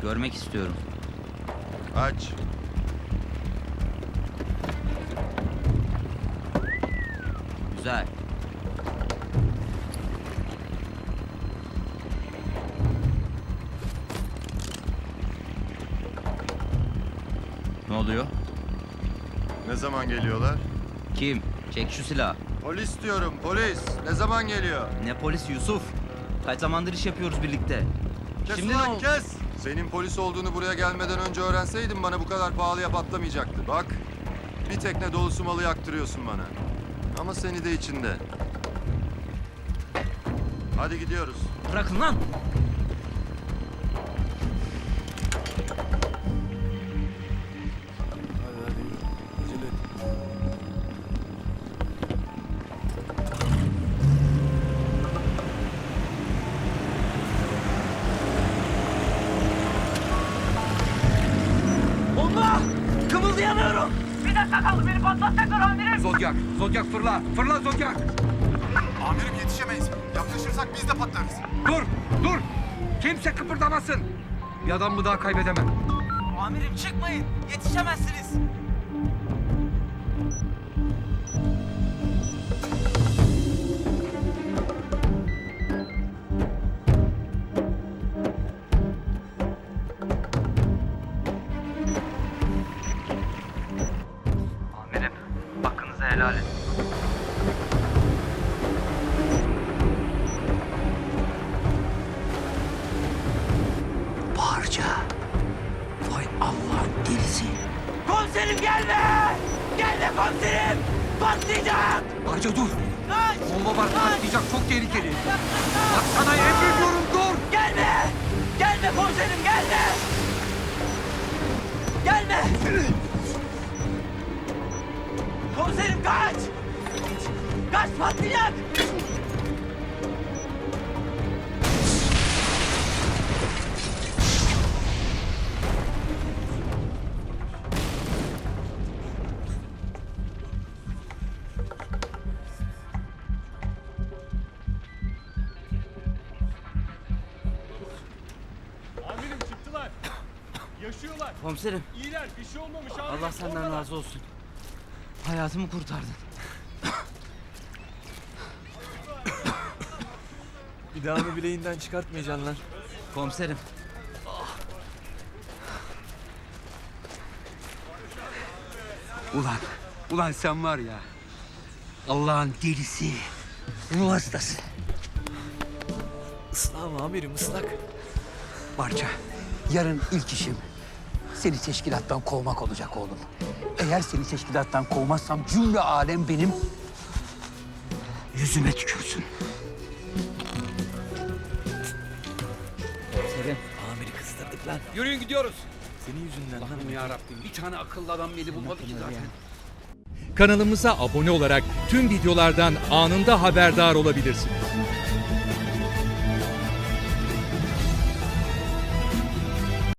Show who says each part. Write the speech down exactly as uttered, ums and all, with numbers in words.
Speaker 1: Görmek istiyorum.
Speaker 2: Aç.
Speaker 1: Güzel. Ne oluyor?
Speaker 2: Ne zaman geliyorlar?
Speaker 1: Kim? Çek şu silahı.
Speaker 2: Polis diyorum, polis. Ne zaman geliyor?
Speaker 1: Ne polis Yusuf? Kaç zamandır iş yapıyoruz birlikte.
Speaker 2: Kes
Speaker 1: Şimdi ne
Speaker 2: ulan
Speaker 1: oldu?
Speaker 2: kes! Senin polis olduğunu buraya gelmeden önce öğrenseydin bana bu kadar pahalıya patlamayacaktı. Bak, bir tekne dolusu malı yaktırıyorsun bana. Ama seni de içinde. Hadi gidiyoruz.
Speaker 1: Bırakın lan!
Speaker 3: Hadi hadi yürü. Acele et.
Speaker 1: Bomba! Kımıldayamıyorum!
Speaker 4: Bir dakika kaldı, beni patlatacaklar amirim.
Speaker 5: Zodyak, Zodyak fırla, fırla Zodyak.
Speaker 6: Amirim yetişemeyiz. Yaklaşırsak biz de patlarız.
Speaker 5: Dur, dur. Kimse kıpırdamasın. Bir adam mı daha kaybedemem.
Speaker 4: Amirim çıkmayın, yetişemezsiniz. Amirim, hakkınızı helal edin.
Speaker 1: Barca. Vay Allah'ın delisi.
Speaker 4: Komiserim gelme! Gelme komiserim! Patlayacak!
Speaker 5: Barca dur.
Speaker 4: Kaç!
Speaker 5: Bomba var, patlayacak, çok tehlikeli. Bak sana emrediyorum, dur.
Speaker 4: Gelme! Gelme komiserim gelme! Gelme! Komiserim kaç! Kaç patlayacak!
Speaker 7: Amirim çıktılar. Yaşıyorlar.
Speaker 1: Komiserim,
Speaker 7: İyiler. Bir şey olmamış amirim.
Speaker 1: Allah senden
Speaker 7: Oradalar.
Speaker 1: razı olsun. Hayatımı kurtardın.
Speaker 3: Bir daha mı bileğinden çıkartmayacaksın lan?
Speaker 1: Komiserim.
Speaker 5: Ulan, ulan sen var ya. Allah'ın delisi. Ruh hastası.
Speaker 3: Islak mı amirim ıslak?
Speaker 8: Barca, yarın ilk işim seni teşkilattan kovmak olacak oğlum. Eğer seni teşkilattan kovmazsam cümle alem benim yüzüme tükürsün.
Speaker 1: Komiserim.
Speaker 3: Amiri kızdırdık lan.
Speaker 5: Yürüyün gidiyoruz.
Speaker 3: Senin yüzünden lan.
Speaker 5: Allah'ım ya Rabbim, bir tane akıllı adam beni bulmadı ki zaten.
Speaker 9: Kanalımıza abone olarak tüm videolardan anında haberdar olabilirsiniz.